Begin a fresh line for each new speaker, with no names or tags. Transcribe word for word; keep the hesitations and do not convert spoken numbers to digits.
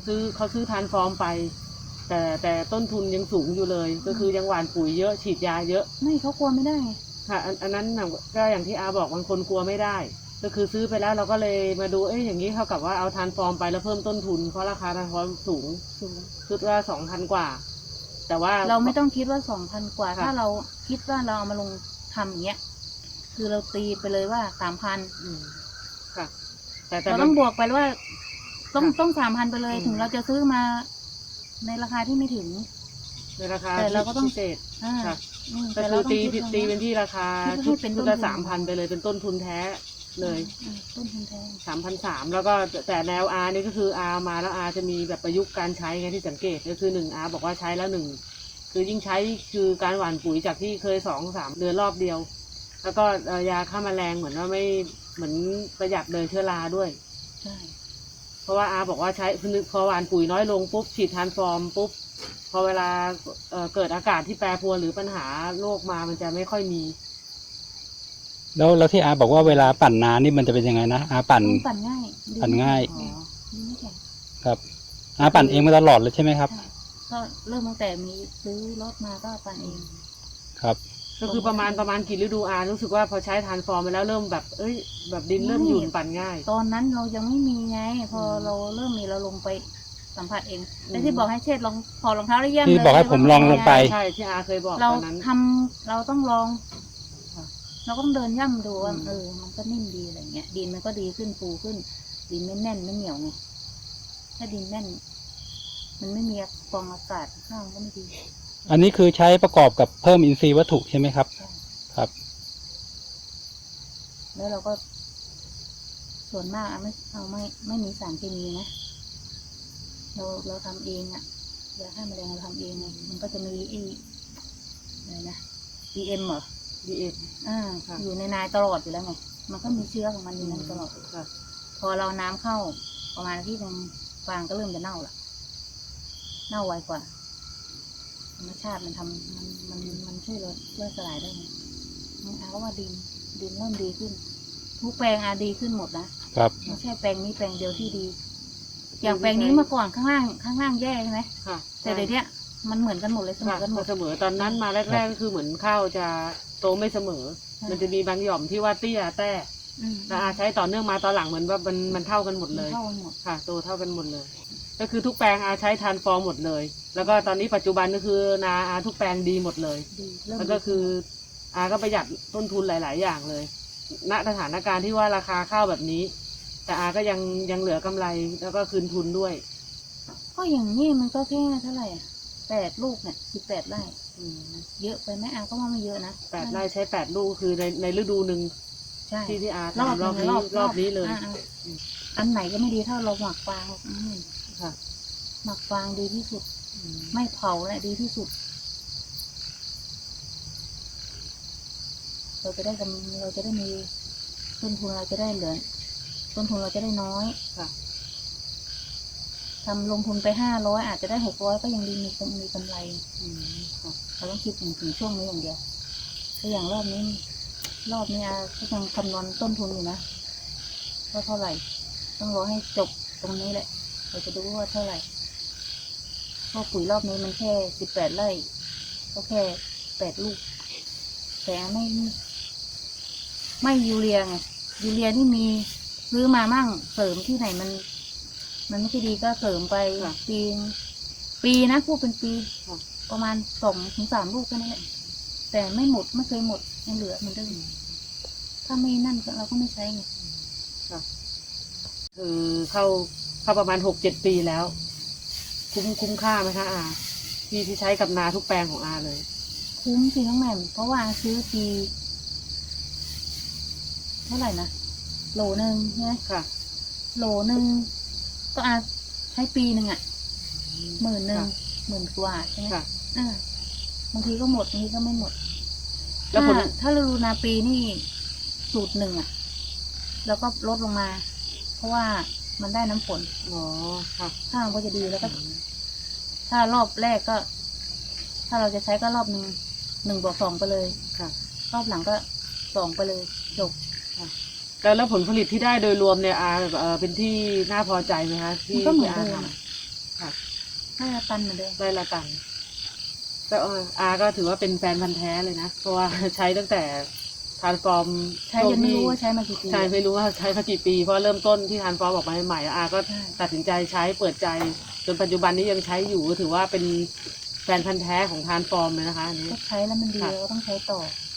ซื้อเขาซื้อทานฟอร์มไปแต่แต่ต้นทุนยังสูงอยู่เลยก็คือยังหว่านปุ๋ยเยอะฉีดยาเยอะ
ไม่เขากลัวไม่ได้ไง
ค่ะอันอันนั้นก็อย่างที่อาบอกบางคนกลัวไม่ได้ก็คือซื้อไปแล้วเราก็เลยมาดูเอ้ยอย่างนี้เท่ากับว่าเอาทานฟอร์มไปแล้วเพิ่มต้นทุนเพราะราคาทานฟอร์มสูงคิดว่าสองพันกว่าแต่ว่า
เราไม่ต้องคิดว่าสองพันกว่าถ้าเราคิดว่าเราเอามาลงทำอย่างเงี้ยคือเราตีไปเลยว่าสามพัน
ค่ะแต่แต่
เราต้องบวกไปว่าต้องต้องสามพันไปเลยถึงเราจะซื้อมาในราคาที่ไม่ถึง
ในราคา
แต่เราก็ต้อง
พิเศษค่ะ
แต่
คือตีตีเป็นที่ราคาชุดชุดละสามพันไปเลยเป็นต้นทุนแท้เลย
ต้นทุนแท้
สามพันสามแล้วก็แต่แนวอานี่ก็คืออามาแล้วอาจะมีแบบประยุกต์การใช้ไงที่สังเกตก็คือหนึ่งอาบอกว่าใช้แล้วหนึ่งคือยิ่งใช้คือการหว่านปุ๋ยจากที่เคยสองสามเดือนรอบเดียวแล้วก็ยาฆ่าแมลงเหมือนว่าไม่เหมือนประหยัดเลยเชื้อราด้วย
ใช่
เพราะว่าอาบอกว่าใช้พอหว่านปุ๋ยน้อยลงปุ๊บฉีดทรานส์ฟอร์มปุ๊บพอเวลาเอ่อเกิดอากาศที่แปรปรวนหรือปัญหาโรคมามันจะไม่ค่อยมี
แล้วแล้วที่อาบอกว่าเวลาปั่นน้ำนี่มันจะเป็นยังไงนะอาปั่น
ปั่นง่าย
ปั่นง่าย
ไม่แข็ง
ครับอาปั่นเองมาตลอดเลยใช่ไหมครับ
ก็เริ่มตั้งแต่มีซื้อรถมาก็ปั่นเอง
ครับ
ก็คือประมาณประมาณกี่ฤดูอารู้สึกว่าพอใช้ทรานส์ฟอร์มไปแล้วเริ่มแบบเอ้ยแบบดินเริ่มหยุ่นปั่นง่าย
ตอนนั้นเรายังไม่มีไงพอเราเริ่มมีเราลงไปสัมผัสเองแต่ที่บอกให้เชษลองพอรองเท้าได้เยี่ยมเลย
ที่บอกให้ผมลองลงไป
ใช่ที่อาเคยบอกตอนนั้น
เราทำเราต้องลองเราต้องเดินย่ำดูว่าเออมันก็นิ่มดีอะไรเงี้ยดินมันก็ดีขึ้นฟูขึ้นดินไม่แน่นไม่เหนียวไงถ้าดินแน่นมันไม่มีฟองอากาศข้างก็ไม่ดี
อันนี้คือใช้ประกอบกับเพิ่มอินทรีย์วัตถุใช่ไหมครับครับ
แล้วเราก็ส่วนมากไม่เอาไม่ไม่มีสารเคมีนะเราเราทำเองอะยาฆ่าแมลงเราทำเองไงมันก็จะมีไอ้อะไรนะ ดี เอ็ม เหรอ
ดี เอ็ม
อ่าอยู่ในนายตลอดอยู่แล้วไงมันก็มีเชื้อของมันอยู่นั้นตลอดพอเราน้ำเข้าประมาณที่นึงฟางก็เริ่มจะเน่าละเน่าไวกว่าธรรมชาติมันทำมันมันมันช่วยลดช่วยสลายได้ไงมันอาก็ว่าดินดินเริ่มดีขึ้นทุกแปลงอาดีขึ้นหมดนะครับไม่ใช่แปลงนี้แปลงเดียวที่ดีอย่างแปลงนี้เมื่อก่อนข้างล่างข้างล่างแย่ใช่ไหมค่ะแต่เดี๋ยวนี้มันเหมือนกันหมดเลยเสมอกันหมด
เสมอตอนนั้นมาแรกๆก็คือเหมือนข้าวจะโตไม่เสมอมันจะมีบางหย่อมที่ว่าเตี้ยแต่แต่อาใช้ต่อเนื่องมาตอนหลังเหมือนว่ามันมันเท่ากันหมดเลยค่ะโตเท่ากันหมดเลยก็คือทุกแปลงอาใช้ทานฟอร์มหมดเลยแล้วก็ตอนนี้ปัจจุบันก็คือนาอาทุกแปลงดีหมดเลยแล้วก็คืออาก็ประหยัดต้นทุนหลายๆอย่างเลยณสถานการณ์ที่ว่าราคาข้าวแบบนี้แต่อาก็ยังยังเหลือกำไรแล้วก็คืนทุนด้วย
ก็อย่างนี้มันก็แค่เท่าไหร่แปดลูกเนี่ยสิบแปดไร่เยอะไปไหมอาก็ว่าไม่เยอะนะ
แปดไร่ใช้แปดลูกคือในในฤดูหนึ่งที่ที่อาทำรอบนี้รอบนี้เลย
อันไหนก็ไม่ดีเท่าเราหมักฟางค่ะหมักฟางดีที่สุดไม่เผาแหละดีที่สุดเราจะได้กำเราจะได้มีต้นทุนเราจะได้เหลือต้นทุนเราจะได้น้อยค่ะทำลงทุนไปห้าร้อยอาจจะได้หกร้อยก็ยังดีมีมีกำไรค่ะเราต้องคิดถึงถึงช่วงนี้อย่างเดียวแต่อย่างรอบนี้รอบนี้อาก็ยังคำนวณต้นทุนอยู่นะว่าเท่าไหร่ต้องรอให้จบตรงนี้แหละเราจะดูว่าเท่าไหร่เพราะปุ๋ยรอบนี้มันแค่สิบแปดไร่ก็แค่แปดลูกแต่ไม่ไม่ยูเรียไงยูเรียที่มีซื้อมามั่งเสริมที่ไหนมันมันไม่ใช่ดีก็เสริมไปปีปีนะพูดเป็นปีประมาณสองถึงสามลูกแค่นั้นแหละแต่ไม่หมดไม่เคยหมดยังเหลือเหมือนเดิมถ้าไม่นั่นเราก็ไม่ใช้ไง
คือเข้าเข้าประมาณหกเจ็ดปีแล้วคุ้มคุ้มค่าไหมคะอาที่ที่ใช้กับนาทุกแปลงของอาเลย
คุ้มสิน้องแหม่มเพราะว่าซื้อปีเท่าไหร่นะโหลหนึ่งใช่ไหมค่ะโหลหนึ่งก็อาใช้ปีหนึ่งอ่ะหมื่นหนึ่งหมื่นกว่าใช่ไหมอ่าบางทีก็หมดบางทีก็ไม่หมดแล้วถ้าถ้าฤดูนาปีนี่สูตรหนึ่งอ่ะแล้วก็ลดลงมาเพราะว่ามันได้น้ำฝน
อ๋อค่ะ
ข้าวก็จะดีแล้วก็ถ้ารอบแรกก็ถ้าเราจะใช้ก็รอบหนึ่งหนึ่งบวกสองไปเลยค่ะรอบหลังก็สองไปเลยจบ
ค่ะแล้วแล้วผลผลิตที่ได้โดยรวมเนี่ยอาแบบเออเป็นที่น่าพอใจไหมคะที่
ก็เหมือนเดิมให้ละตันเหมือนเดิม
ไร่ละตันแต่เอออาก็ถือว่าเป็นแฟนพันธ์แท้เลยนะเพราะว่าใช้ตั้งแต่ทานฟอร์ม
ใช้ยังไม่รู้ว่าใช้มากี่ปี
ใช่ไม่รู้ว่าใช้มากี่ปีเพราะเริ่มต้นที่ทานฟอร์มออกมาใหม่ๆอาก็
ใช่
ตัดสินใจใช้เปิดใจจนปัจจุบันนี้ยังใช้อยู่ก็ถือว่าเป็นแฟนพันธ์แท้ของทานฟอร์มเลยนะคะอันนี้
ก็ใช้แล้วมันดี
ค่ะ
เราก็ต้องใช้ต่อ